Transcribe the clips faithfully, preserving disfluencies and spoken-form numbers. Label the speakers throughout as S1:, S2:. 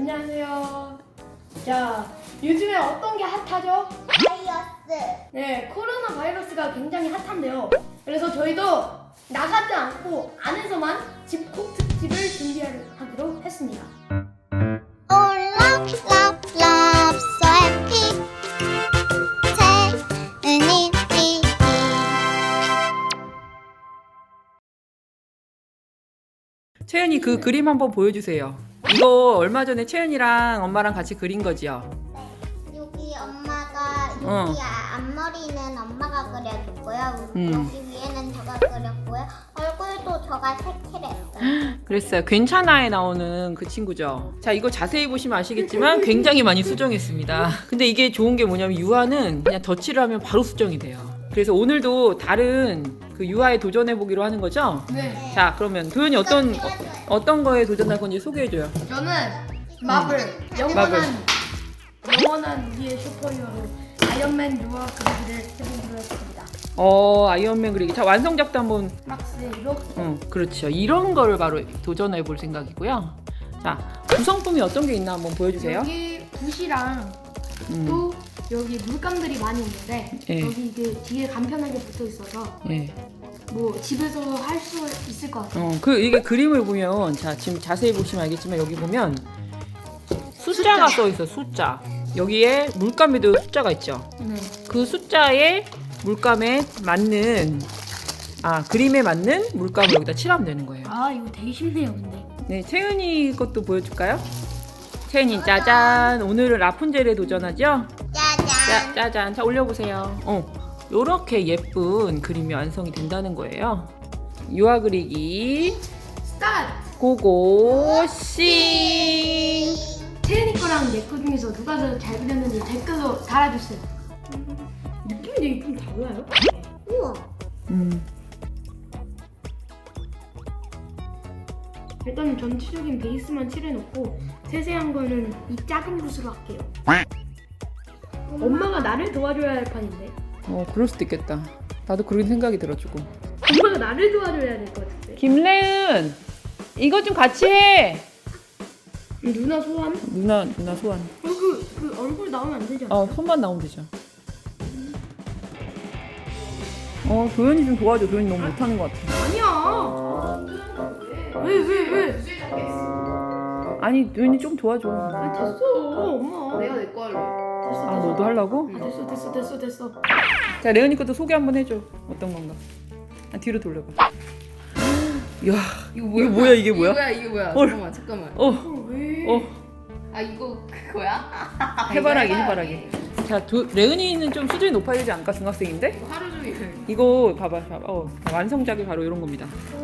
S1: 안녕하세요. 자, 요즘에 어떤 게 핫하죠?
S2: 바이러스.
S1: 네, 코로나 바이러스가 굉장히 핫한데요. 그래서 저희도 나가지 않고 안에서만 집콕 특집을 준비하기로 했습니다.
S2: Oh, love, love, love, so happy. 채은이 티비.
S3: 채연이 그 그림 한번 보여주세요. 이거 얼마 전에 채연이랑 엄마랑 같이 그린 거지요?
S2: 네, 여기 엄마가 여기
S3: 어.
S2: 아- 앞머리는 엄마가 그려줬고요.
S3: 음.
S2: 여기 위에는 저가 그렸고요. 얼굴도 저가 색칠했어요.
S3: 그랬어요. 괜찮아에 나오는 그 친구죠. 자, 이거 자세히 보시면 아시겠지만 굉장히 많이 수정했습니다. 근데 이게 좋은 게 뭐냐면 유화는 그냥 덧칠을 하면 바로 수정이 돼요. 그래서 오늘도 다른 그 유화에 도전해 보기로 하는 거죠?
S1: 네,
S3: 자, 그러면 도현이 어떤
S2: 이거
S3: 어,
S2: 띄워줘요.
S3: 어떤 거에 도전할 건지 소개해줘요.
S1: 저는 마블, 영원한,
S3: 마블.
S1: 영원한 우리의 슈퍼히어로 아이언맨 유아 그리기를 해보기로 했습니다.
S3: 어, 아이언맨 그리기. 자, 완성작도 한번.
S1: 막스 이렇게.
S3: 어, 그렇죠. 이런 거를 바로 도전해 볼 생각이고요. 자, 구성품이 어떤 게 있나 한번 보여주세요.
S1: 여기 붓이랑
S3: 음.
S1: 또 여기 물감들이 많이 있는데
S3: 예.
S1: 여기 이게 뒤에 간편하게 붙어 있어서
S3: 예.
S1: 뭐 집에서 할 수 있을 것 같아요.
S3: 어, 그 이게 그림을 보면 자, 지금 자세히 보시면 알겠지만 여기 보면 숫자가 써 있어. 숫자. 여기에 물감에도 숫자가 있죠.
S1: 네.
S3: 그 숫자에 물감에 맞는 아, 그림에 맞는 물감을 여기다 칠하면 되는 거예요.
S1: 아 이거 되게 쉽네요, 근데.
S3: 네, 채은이 것도 보여줄까요? 채은이 짜잔. 오늘은 라푼젤에 도전하죠?
S2: 짜잔.
S3: 짜, 짜잔. 자, 올려보세요. 어, 요렇게 예쁜 그림이 완성이 된다는 거예요. 유화 그리기
S1: 스타트!
S3: 고고 씨.
S1: 채은이 거랑 내 거 중에서 누가 더 잘 그렸는지 댓글로 달아주세요. 느낌이 되게 좀 달라요?
S2: 우와.
S3: 음.
S1: 일단은 전체적인 베이스만 칠해놓고 세세한 거는 이 작은 붓으로 할게요. 엄마가 나를 도와줘야 할 판인데.
S3: 어, 그럴 수도 있겠다. 나도 그런 생각이 들어 조금.
S1: 엄마가 나를 도와줘야 될 것 같은데.
S3: 김래은, 이거 좀 같이 해.
S1: 누나 소원?
S3: 누나, 누나 소환.
S1: 어, 그, 그 얼굴 나오면 안 되지 않아?
S3: 어, 손만 나오면 되죠. 어, 도현이 좀 도와줘. 도현이 너무 못하는 것 같아.
S1: 아니야. 왜, 왜, 왜?
S3: 아니, 도현이 좀 도와줘.
S1: 아, 됐어, 엄마.
S4: 내가 내 거 할래.
S1: 됐어,
S3: 아,
S1: 됐어.
S3: 너도 하려고?
S1: 아, 됐어, 됐어, 됐어, 됐어.
S3: 자, 레은이 것도 소개 한번 해줘. 어떤 건가? 아, 뒤로 돌려봐. 이야,
S4: 이거
S3: 이게 뭐야, 이게 뭐야?
S4: 이거 뭐야 이게 뭐야?
S3: 헐.
S4: 잠깐만 잠깐만.
S3: 어,
S1: 어, 왜?
S3: 어,
S4: 아 이거 그거야?
S3: 해바라기,
S4: 이거
S3: 해바라기. 자, 도, 레은이는 좀 수준이 높아야 되지 않을까? 중학생인데?
S4: 이거 하루 종일.
S3: 이거 봐봐, 봐봐. 어, 완성작이 바로 이런 겁니다.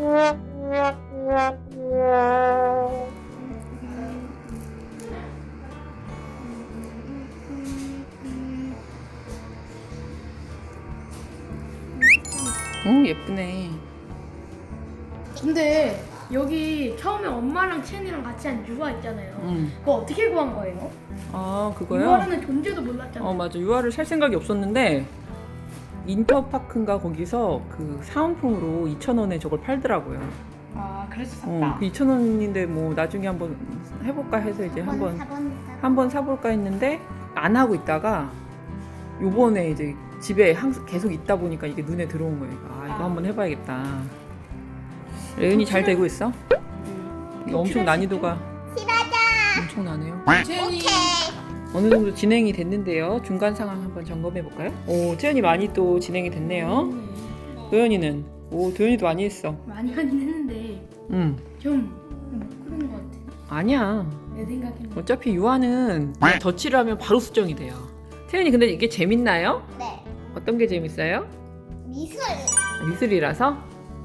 S3: 오, 예쁘네.
S1: 근데 여기 처음에 엄마랑 채은이랑 같이 한 유아 있잖아요.
S3: 음.
S1: 그거 어떻게 구한 거예요?
S3: 아, 그거요?
S1: 유아라는 존재도 몰랐잖아요.
S3: 어, 맞아. 유아를 살 생각이 없었는데 인터파크인가 거기서 그 사은품으로 이천 원에 저걸 팔더라고요.
S1: 아, 그래서 샀다.
S3: 어, 그 이천 원인데 뭐 나중에 한번 해볼까 해서 이제 한번 한번 사볼까 했는데 안 하고 있다가 요번에 이제 집에 항상 계속 있다 보니까 이게 눈에 들어온 거예요. 아, 이거 한번 해봐야겠다. 레은이 잘 되고 있어? 이거 엄청 난이도가 엄청 나네요.
S4: 채연이
S3: 어느 정도 진행이 됐는데요. 중간 상황 한번 점검해 볼까요? 오, 채연이 많이 또 진행이 됐네요. 도현이는 오, 도현이도 많이 했어.
S1: 많이 하긴 했는데
S3: 응,
S1: 좀못 그런 것 같아.
S3: 아니야.
S1: 내 생각에는.
S3: 어차피 유아는 그냥 덧칠을 하면 바로 수정이 돼요. 채연이 근데 이게 재밌나요?
S2: 네.
S3: 어떤 게 재밌어요?
S2: 미술.
S3: 미술이라서?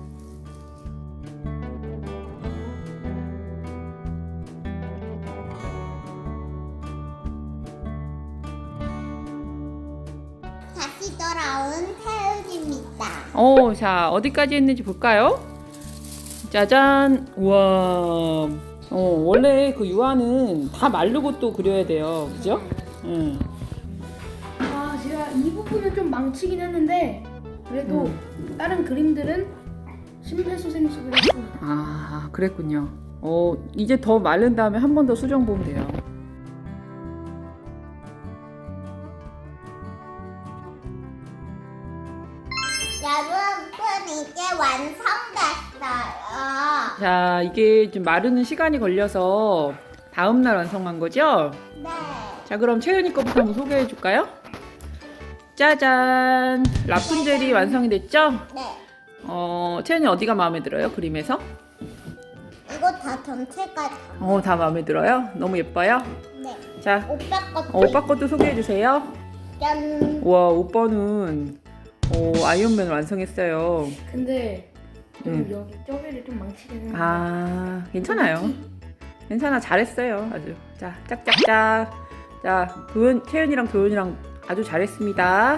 S2: 다시 돌아온 태욱입니다.
S3: 어, 자, 어디까지 했는지 볼까요? 짜잔! 우와. 어, 원래 그 유아는 다 마르고 또 그려야 돼요. 그죠? 응.
S1: 아, 제가 이 부분은 좀 망치긴 했는데 그래도 다른 그림들은 심폐소생술을 했습니다.
S3: 아, 그랬군요. 어, 이제 더 마른 다음에 한 번 더 수정 보면 돼요. 자, 이게 좀 마르는 시간이 걸려서 다음 날 완성한 거죠?
S2: 네.
S3: 자, 그럼 채연이 거부터 한번 소개해 줄까요? 짜잔! 라푼젤이 완성이 됐죠?
S2: 네.
S3: 어, 채연이 어디가 마음에 들어요? 그림에서?
S2: 이거 다 전체가 다.
S3: 어, 다 마음에 들어요? 너무 예뻐요?
S2: 네.
S3: 자,
S2: 오빠 것도.
S3: 어, 오빠 것도 소개해 주세요.
S2: 짠.
S3: 와, 오빠는 어, 아이언맨을 완성했어요.
S1: 근데 좀
S3: 음.
S1: 여기 쪼개를 좀 망치긴
S3: 아, 괜찮아요. 괜찮아, 잘했어요. 아주. 자, 짝짝짝. 자, 도연, 채연이랑 도연이랑 아주 잘했습니다.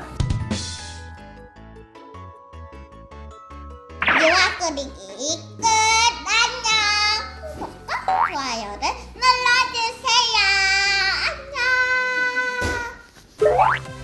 S2: 유아 그리기 끝. 안녕. 구독과 좋아요를 눌러주세요. 안녕.